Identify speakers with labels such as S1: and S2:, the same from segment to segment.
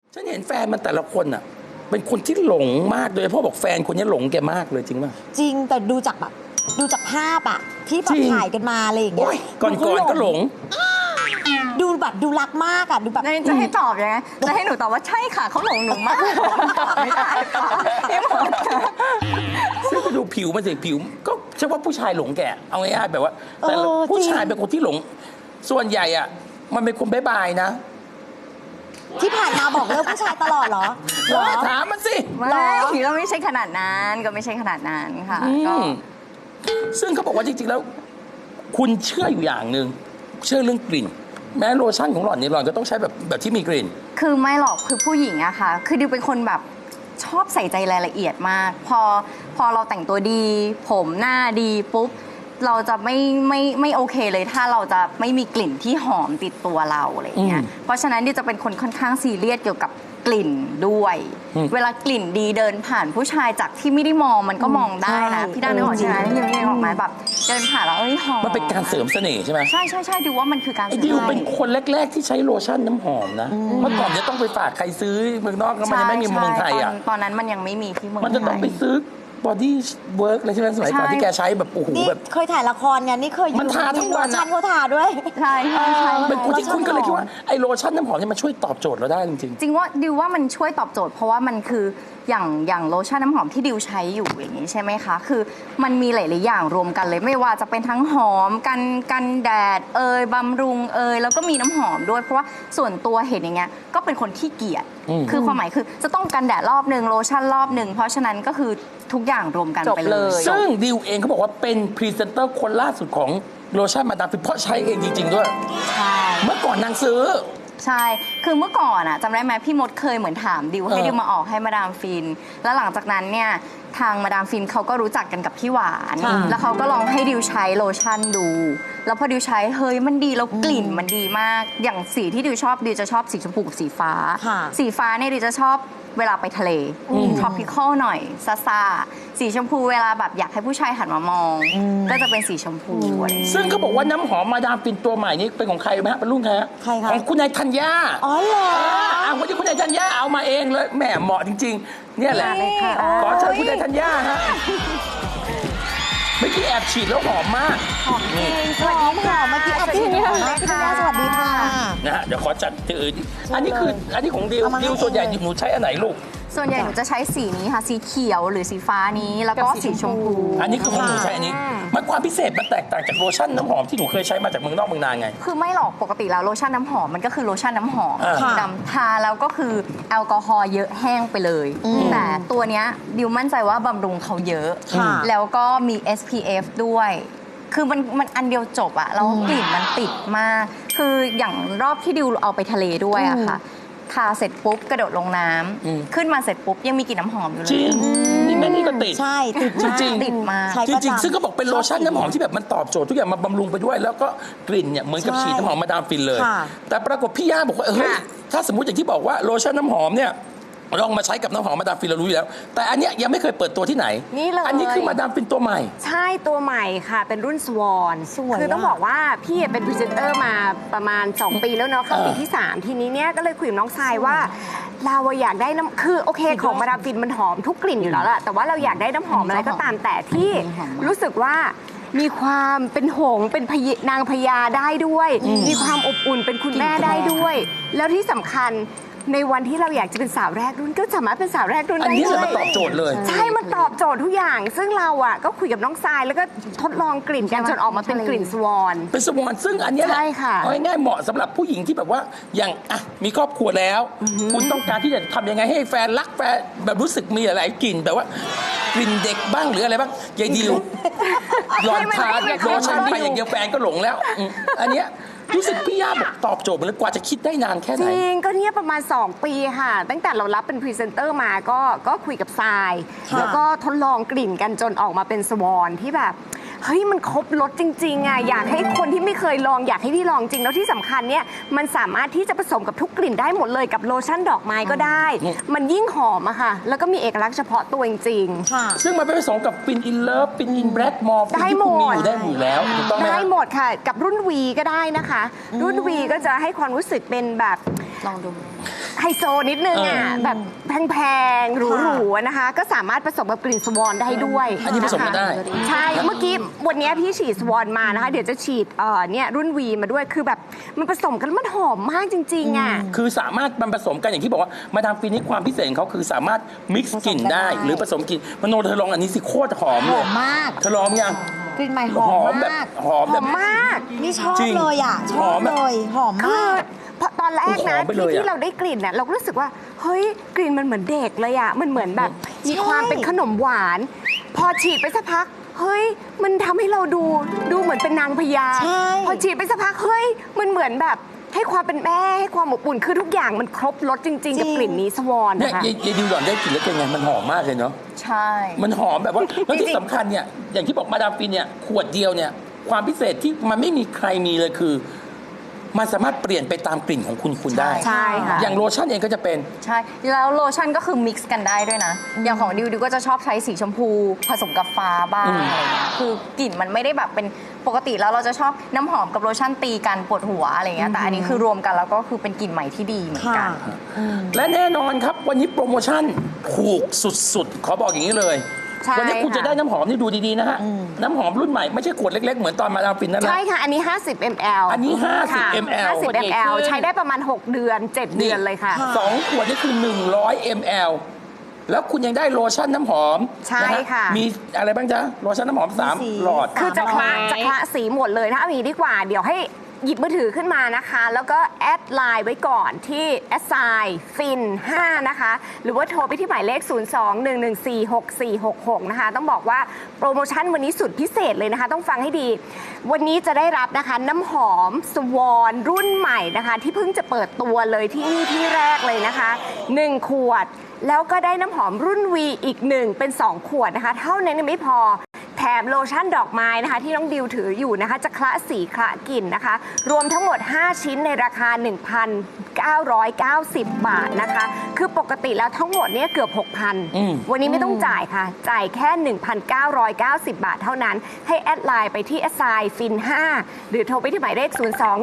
S1: ฉันเห็นแฟนมันแต่ละคนอ่ะเป็นคนที่หลงมากเลยพ่อบอกแฟนคนนี้หลงแกมากเลยจริงป่ะ
S2: จริงแต่ดูจากภาพอะที่แบบถ่ายกันมาอะไรอย่างเงี้ย
S1: ก่อนก็หลง
S2: ดูรักมากอะดูแบบ
S3: จะให้ตอบยังไงจะให้หนูตอบว่าใช่ค่ะเขาหลงหนูมากตอบไม่ได้ค่ะพี่หมด
S1: ซึ่งไปดูผิวมันสิผิวก็ใช่ว่าผู้ชายหลงแกเอาง่ายๆแบบว่าแต่ผู้ชายเป็นคนที่หลงส่วนใหญ่อ่ะมันเป็นคนบ๊ายบายนะ
S2: ที่ผ่านมาบอกเลิกผู้ชายตลอดเหรอ
S1: ถามมันสิ
S3: ไม่ก็ไม่ใช่ขนาดนั้นค่ะก็
S1: ซึ่งเขาบอกว่าจริงๆแล้วคุณเชื่ออยู่อย่างหนึ่งเชื่อเรื่องกลิ่นแม้โลชั่นของหล่อนเนี่ยหล่อนก็ต้องใช้แบบที่มีกลิ่น
S3: คือไม่หรอกคือผู้หญิงอะค่ะคือดิวเป็นคนแบบชอบใส่ใจรายละเอียดมากพอเราแต่งตัวดีผมหน้าดีปุ๊บเราจะไม่โอเคเลยถ้าเราจะไม่มีกลิ่นที่หอมติดตัวเราอะไรอย่างเงี้ยเพราะฉะนั้นดิวจะเป็นคนค่อนข้างซีเรียสเกี่ยวกับกลิ่นด้วยเวลากลิ่นดีเดินผ่านผู้ชายจากที่ไม่ได้มองมันก็มองได้นะพี่ด้านนึกออกใช่ไหมพี่นึกออกไหมแบบเดินผ่านแล้วหอม
S1: มันเป็นการเสริมเสน่ห์ใช่ไหม
S3: ใช่ดิวว่ามันคือการเสริม
S1: ดิวเป็นคนแรกๆที่ใช้โลชั่นน้ำหอมนะเมื่อก่อนจะต้องไปฝากใครซื้อเมืองนอกแล้วมันยังไม่มีเมืองไทยอ่ะ
S3: ตอนนั้นมันยังไม่มีที่เมืองไทย
S1: มันจะต้องไปซื้อบอดี้เวิร์กอะไรใช่ไหมสมัยก่อนที่แกใช้แบบโอ้โหแบบ
S2: เคยถ่ายละครไงนี่เคย
S1: มันทาทั้งวัน
S2: ชั่นเขาทาด้วย
S3: ใช่
S1: เป็นคนที่คุณก็เลยคิดว่าไอ้โลชั่นน้ำหอมเนี่ยมันช่วยตอบโจทย์เราได้จริง
S3: จริงว่าดิวว่ามันช่วยตอบโจทย์เพราะว่ามันคืออย่างโลชั่นน้ำหอมที่ดิวใช้อยู่อย่างนี้ใช่ไหมคะคือมันมีหลายๆอย่างรวมกันเลยไม่ว่าจะเป็นทั้งหอมกันแดดบำรุงแล้วก็มีน้ำหอมด้วยเพราะว่าส่วนตัวเห็นอย่างเงี้ยก็เป็นคนขี้เกียจคือความหมายคือจะต้องกันแดดรอบนึงโลชั่นรอบนึงเพราะฉะนั้นก็คือทุกอย่างรวมกันไปเลย
S1: ซึ่งดิวเองเขาบอกว่าเป็นพรีเซนเตอร์คนล่าสุดของโลชั่นมาดามฟินเพราะใช้เองจริงๆด้วย
S3: ใช่
S1: เมื่อก่อนนางซื้อ
S3: ใช่คือเมื่อก่อนอะจำได้ไหมพี่มดเคยเหมือนถามดิวให้ดิวมาออกให้มาดามฟินแล้วหลังจากนั้นเนี่ยทางมาดามฟินเขาก็รู้จักกันกับพี่หวานแล้วเขาก็ลองให้ดิวใช้โลชั่นดูแล้วพอดิวใช้เฮ้ยมันดีแล้วกลิ่นมันดีมากอย่างสีที่ดิวชอบดิวจะชอบสีชมพูกับสีฟ้าสีฟ้าเนี่ยดิวจะชอบเวลาไปทะเลtropical หน่อยซ่าสีชมพูเวลาแบบอยากให้ผู้ชายหันมามองก็จะเป็นสีชมพู
S1: ซึ่งเขาบอกว่าน้ำหอมมาดามฟินตัวใหม่นี้เป็นของใครไหมฮะเป็นรุ่นใครฮะของคุณนายธัญญา
S2: อ๋อเหรอ
S1: วันนี้คุณนายธัญญาเอามาเองเลยแหมเหมาะจริงๆเนี่ยแหละขอเชิญคุณนายธัญญาฮะเมื่อกี้แอบฉีดแล้วหอมมาก
S2: หอมจริงสวัสดีค่ะเมื่อกี้แอบฉีดหอมมากค่ะสวัสดีค่ะ
S1: นะฮะเดี๋ยวขอจัดที่อื่นอันนี้ของดิวส่วนใหญ่หนูใช้อันไหนลูก
S3: ส่วนใหญ่หนูจะใช้สีนี้ค่ะสีเขียวหรือสีฟ้านี้แล้วก็สีชมพู
S1: อันนี้คือของหนูใช้อันนี้มันความพิเศษมันแตกต่างจากโลชั่นน้ำหอมที่หนูเคยใช้มาจากเมืองนอกเมืองนาไง
S3: คือไม่หรอกปกติแล้วโลชั่นน้ำหอมมันก็คือโลชั่นน้ำหอมดำทาแล้วก็คือแอลกอฮอล์เยอะแห้งไปเลยแต่ตัวเนี้ยดิวมั่นใจว่าบำรุงเขาเยอะแล้วก็มี SPF ด้วยคือมันอันเดียวจบอะแล้วกลิ่นมันติดมากคืออย่างรอบที่ดิวเอาไปทะเลด้วยอะค่ะทาเสร็จปุ๊บกระโดดลงน้ำขึ้นมาเสร็จปุ๊บยังมีกลิ่นน้ำหอมอยู่เลย
S1: จริงนี่แม่นี่ก็ติด
S2: ใช่ติด
S1: จริง
S3: ติดมา
S1: จริงซึ่งก็บอกเป็นโลชั่นน้ำหอมที่แบบมันตอบโจทย์ทุกอย่างมาบำรุงไปด้วยแล้วก็กลิ่นเนี่ยเหมือนกับฉีดน้ำหอมมาดามฟินเลยแต่ปรากฏพี่ย่าบอกว่าเฮ้ยถ้าสมมติอย่างที่บอกว่าโลชั่นน้ำหอมเนี่ยลองมาใช้กับน้ำหอมมาดามฟินเรารู้อยู่แล้วแต่อันเนี้ยยังไม่เคยเปิดตัวที่ไหน
S4: นี่เลย
S1: อันนี้คือมาดามฟินตัวใหม่
S4: ใช่ตัวใหม่ค่ะเป็นรุ่นสวอนคือต้องบอกว่าพี่เป็นพรีเซนเตอร์มาประมาณ2 ปีแล้วเนาะเข้าปีที่3ทีนี้เนี่ยก็เลยคุยกับน้องทรายว่าเราอยากได้น้ำคือโอเคของมาดามฟินมันหอมทุกกลิ่นอยู่แล้วแหละแต่ว่าเราอยากได้น้ำหอมอะไรก็ตามแต่ที่รู้สึกว่ามีความเป็นหงเป็นนางพญาได้ด้วยมีความอบอุ่นเป็นคุณแม่ได้ด้วยแล้วที่สำคัญในวันที่เราอยากจะเป็นสาวแรกรุ่นก็สามารถเป็นสาวแรกรุ่นได้
S1: ด้วยอันนี้มันตอบโจทย์เลย
S4: ใช่มันตอบโจทย์ทุกอย่างซึ่งเราอ่ะก็คุยกับน้องทรายแล้วก็ทดลองกลิ่นกันจนออกมาเป็นกลิ่นสวอน
S1: เป็นสวอนซึ่งอันนี้แหละเอาง่ายๆเหมาะสำหรับผู้หญิงที่แบบว่าอย่างอ่ะมีครอบครัวแล้วคุณต้องการที่จะทำยังไงให้แฟนรักแฟนแบบรู้สึกมีอะไรกลิ่นแบบว่ากลิ่นเด็กบ้างหรืออะไรบ้างยายดิวหลอนทาโลชั่นไปอย่างเดียวแฟนก็หลงแล้วอันเนี้ยรู้สึกพี่ย่าบอกตอบโจทย์เลยกว่าจะคิดได้นานแค่ไหน
S4: จริงก็เนี่ยประมาณ2 ปีค่ะตั้งแต่เรารับเป็นพรีเซนเตอร์มาก็คุยกับทรายแล้วก็ทดลองกลิ่นกันจนออกมาเป็นสวอนที่แบบเฮ้ยมันครบรสจริงๆอ่ะอยากให้คนที่ไม่เคยลองอยากให้พี่ลองจริงแล้วที่สำคัญเนี่ยมันสามารถที่จะผสมกับทุกกลิ่นได้หมดเลยกับโลชั่นดอกไม้ก็ได้มันยิ่งหอมอะค่ะแล้วก็มีเอกลักษณ์เฉพาะตัวจริง
S1: ๆซึ่งมันไปผสมกับฟินอินเลิฟฟินอินแบล็กมอร์
S4: ได้หมด
S1: ได้อยู่แล้วถูกต้องไหม
S4: ได้หมดค่ะกับรุ่นวีก็ได้นะคะรุ่นวีก็จะให้ความรู้สึกเป็นแบบ
S3: ลองดู
S4: ไฮโซนิดนึงอ่ะแบบแพงๆหรูๆนะคะ ก็สามารถผสมกับกลิ่นสวอนได้ด้วย
S1: อันนี้ผสมกันได้
S4: ใช่เมื่อกี้วันนี้พี่ฉีดสวอนมานะคะ เดี๋ยวจะฉีดเนี่ยรุ่นวีมาด้วยคือแบบมันผสมกันแล้วมันหอมมากจริงๆอ่ะ
S1: คือสามารถมันผสมกันอย่างที่บอกว่ามาดามฟินนี่ความพิเศษของเขาคือสามารถมิกซ์กลิ่นได้ หรือผสมกลิ่นมโนเธอลองอันนี้สิโคตรหอม
S2: ห
S1: เล
S2: อย มมาก
S1: เธอลองยัง
S2: กลิ่นใหม่หอม
S1: แบบ
S2: มาก
S1: หอม
S4: ห
S1: แบ
S4: อบ มมาก
S2: นี่ชอบ
S1: จริง
S2: เลยอ่ะ ช
S1: ห
S2: อ
S1: อบ มแบบ
S2: เลยหอม
S4: คื
S2: มา
S4: อก พอตอนแรกนะ
S1: หอมไปเลยอะ
S4: ที่เราได้กลิ่นน่ะเราก็รู้สึกว่าเฮ้ยกลิ่นมันเหมือนเด็กเลยอ่ะมันเหมือนแบบมีความเป็นขนมหวาน พอฉีดไปสักพักเฮ้ยมันทำให้เราดูเหมือนเป็นนางพญา
S2: ใช่
S4: พอฉีดไปสักพักเฮ้ยมันเหมือนแบบให้ความเป็นแม่ให้ความอบอุ่นคือทุกอย่างมันครบรสจริง ๆ กับกลิ่นนี้สวอน
S1: เนี่ย
S4: นะคะ
S1: ยายดิวหล่อนได้กลิ่นแล้วเป็นไงมันหอมมากเลยเนาะ
S3: ใช่
S1: มันหอมแบบว่าแล้วที่สำคัญเนี่ยอย่างที่บอกมาดามฟินเนี่ยขวดเดียวเนี่ยความพิเศษที่มันไม่มีใครมีเลยคือ มันสามารถเปลี่ยนไปตามกลิ่นของคุณได้
S4: ใช่ค่ะ
S1: อย่างโลชั่นเองก็จะเป็น
S3: ใช่ แล้วโลชั่นก็คือมิกซ์กันได้ด้วยนะ อย่างของดิวก็จะชอบใช้สีชมพูผสมกับฟ้าบ้างอะไรเงี้ยคือกลิ่นมันไม่ได้แบบเป็นปกติแล้วเราจะชอบน้ำหอมกับโลชั่นตีกันปวดหัวอะไรเงี้ยแต่อันนี้คือรวมกันแล้วก็คือเป็นกลิ่นใหม่ที่ดีเหมือน
S2: ค่ะ
S3: กัน
S1: และแน่นอนครับวันนี้โปรโมชั่นถูกสุดๆ ขอบอกอย่างนี้เลย
S4: ใช่
S1: วันี้คุณ
S4: ค่ะ
S1: จะได้น้ำหอมนี่ดูดีๆนะฮะ น้ำหอมรุ่นใหม่ไม่ใช่ขวดเล็กๆ เหมือนตอนมาดามฟินนั่นแหละ
S4: ใช่ค่ะ อันนี้ 50 ml
S1: อันนี้50
S4: ค่ะ
S1: ml
S4: 50 ml ใช้ได้ประมาณ 6 เดือน 7 เดือนเลยค่ะ
S1: สองขวดนี่คือ100 ml แล้วคุณยังได้โลชั่นน้ำหอม
S4: ใช่
S1: นฮ
S4: ค่ะ
S1: มีอะไรบ้างจ๊ะโลชั่นน้ำหอม
S2: มีสี
S1: 3 หลอด
S4: คือจะคละ
S2: 300
S4: จะคละสีหมดเลยถ้าเอาอย่างนี้ดีกว่า เดี๋ยวให้หยิบมือถือขึ้นมานะคะ แล้วก็แอดไลน์ไว้ก่อนที่แอดไซน์ฟิน5นะคะ หรือว่าโทรไปที่หมายเลข 02-114-6466 นะคะ ต้องบอกว่าโปรโมชั่นวันนี้สุดพิเศษเลยนะคะ ต้องฟังให้ดี วันนี้จะได้รับนะคะน้ำหอมสวอนรุ่นใหม่นะคะ ที่เพิ่งจะเปิดตัวเลยที่นี่ที่แรกเลยนะคะ 1 ขวด แล้วก็ได้น้ำหอมรุ่น V อีก 1 เป็น 2 ขวดนะคะ เท่านั้นยังไม่พอ แถมโลชั่นดอกไม้นะคะ ที่น้องดิวถืออยู่นะคะ จะคละสีคละกลิ่นนะคะ รวมทั้งหมด 5 ชิ้นในราคา 1,990 บาทนะคะ คือปกติแล้วทั้งหมดเนี่ยเกือบ 6,000 วันนี้ไม่ต้องจ่ายค่ะ จ่ายแค่ 1,990 บาทเท่านั้น ให้แอดไลน์ไปที่แอดไซน์ฟิน5หรือโทรไปที่หมายเลข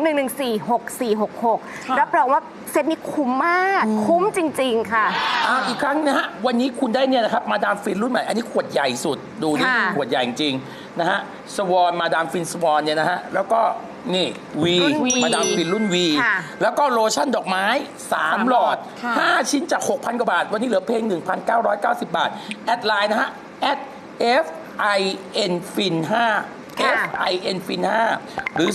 S4: 02-114-6466 รับรองว่าเซตนี้คุ้มมาก คุ้มจริง ๆ ค่ะ
S1: อีกครั้งนะฮะวันนี้คุณได้เนี่ยนะครับมาดามฟินรุ่นใหม่อันนี้ขวดใหญ่สุดดูนี่
S4: ค่ะ
S1: ขวดใหญ่จริงๆนะฮะสวอนมาดามฟินสวอนเนี่ยนะฮะแล้วก็นี่วี
S4: รุ่น V
S1: มาดามฟินรุ่นวี
S4: ค่ะ
S1: แล้วก็โลชั่นดอกไม้ 3 หลอด
S2: ค่ะ
S1: 5 ชิ้นจาก 6,000 กว่าบาท วันนี้เหลือเพียง 1,990 บาท แอดไลน์นะฮะแอด FIN FIN 5
S4: ค่ะ
S1: FIN FIN 5หรือ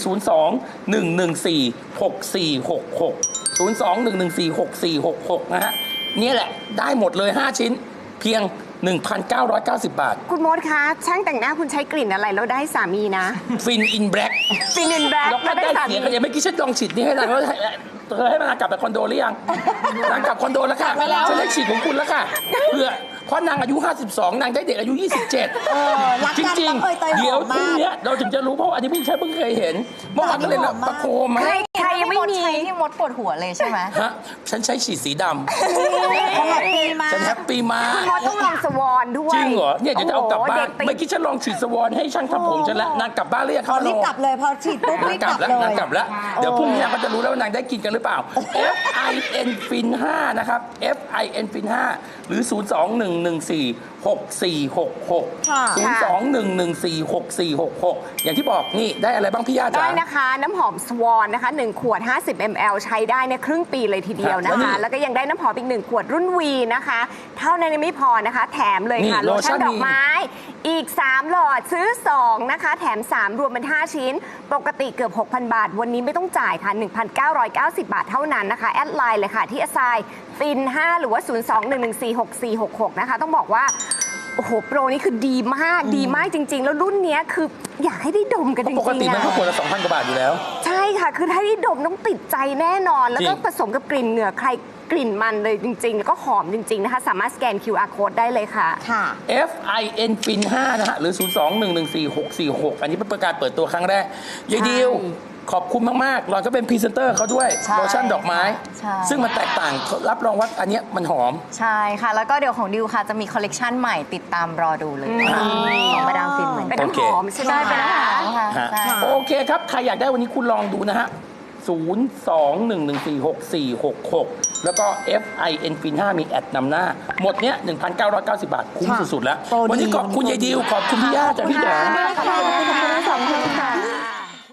S1: 02-114-6466 02-114-6466 นะฮะเนี่ยแหละได้หมดเลย 5 ชิ้นเพียง 1,990 บาท
S4: คุณมดคะช่างแต่งหน้าคุณใช้กลิ่นอะไรแล้วได้สามีนะ
S1: ฟินอินแบล็ก
S4: ฟินินแบล็ก
S1: แล้วก็
S4: แล้ว
S1: ได้
S4: ได้สา
S1: เสี
S4: มี
S1: ยงกันยังไม่อกี้ฉันลองฉีดนี่ให้นางแล้วเธอให้นางกลับไปคอนโดหรือยังนางกลับคอนโดแล้วค่ะฉันได้ฉีดของคุณแล้วค่ะเพื่อเพราะนางอายุ 52 นางได้เด็กอายุ 27
S2: รัก
S1: จ
S2: กัน
S1: ริง
S2: ต้องเอ่ยเตย
S1: ๆ
S2: ห
S1: เดี๋ยว
S2: อม
S1: พรุ่ง
S2: มาก
S1: นี้เราถึงจะรู้เพราะว่าอันนี้เพิ่งเคยเห็นเมื่อวานก็เลยเราประโคมมา
S4: ใครยังไม่มี
S3: ใช้ที่มดปวดหัวเลยใช่ไหม
S1: ฮะฉันใช้ฉีดสีด
S2: เขาแฮปปี้มา
S1: ำฉันแฮ
S2: ก
S1: ปปี้มาก
S4: คุณมดต้องลองสวอนด้วย
S1: จริงเหรอเนี่ยเดี๋ยวจะเอากลับบ้าน
S4: โโหด็
S1: เมื่อกี้ฉันลองฉีดสวอนให้ช่างทำผมฉันแล้วนางกลับบ้านหรือยัง
S2: พอรีบกลับเลยพอฉีดปุ๊บ
S1: นา
S2: รี
S1: ง
S2: บ
S1: ก
S2: ก
S1: ลั
S2: ลั
S1: บบ แล้ว
S2: เลย
S1: นางกลับแล้ว เดี๋ยวพรุ่งนี้นางก็จะรู้แล้วว่านางได้กินกันหรือเปล่า FIN FIN 5นะครับ FIN FIN 5หรือ 02-114-6466
S2: ค่ะ
S1: 02-114-6466 อย่างที่บอกนี่ได้อะไรบ้างพี่ย่าจ๋า
S4: ได้นะคะ น้ำหอมสวอนนะคะ 1 ขวด 50 ml ใช้ได้เนี่ยครึ่งปีเลยทีเดียวนะ
S1: ครับ
S4: คะ แล้วก็ยังได้น้ำหอมอีก 1 ขวดรุ่นวีนะคะ เท่านั้นยังไม่พอนะคะ แถมเลยค่ะ
S1: นี่
S4: โล
S1: โลชั่
S4: ชั่
S1: น
S4: นดอกไม้ อีก 3 หลอดซื้อ 2 นะคะ แถม 3 รวมเป็น 5 ชิ้น ปกติเกือบ 6,000 บาท วันนี้ไม่ต้องจ่ายค่ะ 1,990 บาทเท่านั้นนะคะ แอดไลน์เลยค่ะที่ไซน์ฟิน5หรือว่า 02-114-6466 นะคะ ต้องบอกว่า โอ้โห โปรนี้คือดีมาก ดีมากจริง ๆ แล้วรุ่นเนี้ยคืออยากให้ได้ดมกันจริงๆ
S1: ปกติมันก็
S4: อะ
S1: ขวดละ 2,000 กว่าบาทอยู่แล้ว
S4: ใช่ค่ะ คือถ้าได้ดมต้องติดใจแน่นอน แล้วก็
S1: จริง
S4: ผสมกับกลิ่นเหงื่อใครกลิ่นมันเลยจริง ๆ แล้วก็หอมจริง ๆ นะคะ สามารถสแกน QR code ได้เลยค่ะ
S2: ค่ะ
S1: FIN FIN 5นะฮะหรือ 02-114-646 อันนี้เป็นประกาศเปิดตัวครั้งแรกยายดิวขอบคุณมากๆเราก็เป็นพรีเซนเตอร์เขาด้วย
S3: ใช่
S1: โลชั่นดอกไม้
S3: ใช่
S1: ซึ่งมันแตกต่างรับรองว่าอันเนี้ยมันหอม
S3: ใช่ค่ะ แล้วก็เดี๋ยวของดิวค่ะจะมีคอลเลกชันใหม่ติดตามรอดูเลยของมาดามฟินเหมือน
S4: เป็น
S3: กัน
S4: น้ำหอมใช่ไหม
S3: ใช่เป็นอาหารค่ะ
S1: ฮะ
S3: ใช่
S1: โอเคครับ ใครอยากได้วันนี้คุณลองดูนะฮะ 02-114-6466 แล้วก็ FIN Fin 5มีแอดนำหน้า หมดเนี้ย 1,990 บาท คุ้ม
S2: ค่ะ
S1: สุดๆแล้ว
S2: โปรดี
S1: วันนี้ขอบคุณยายดิว ขอบคุณพี่ย่าจากพี่แดง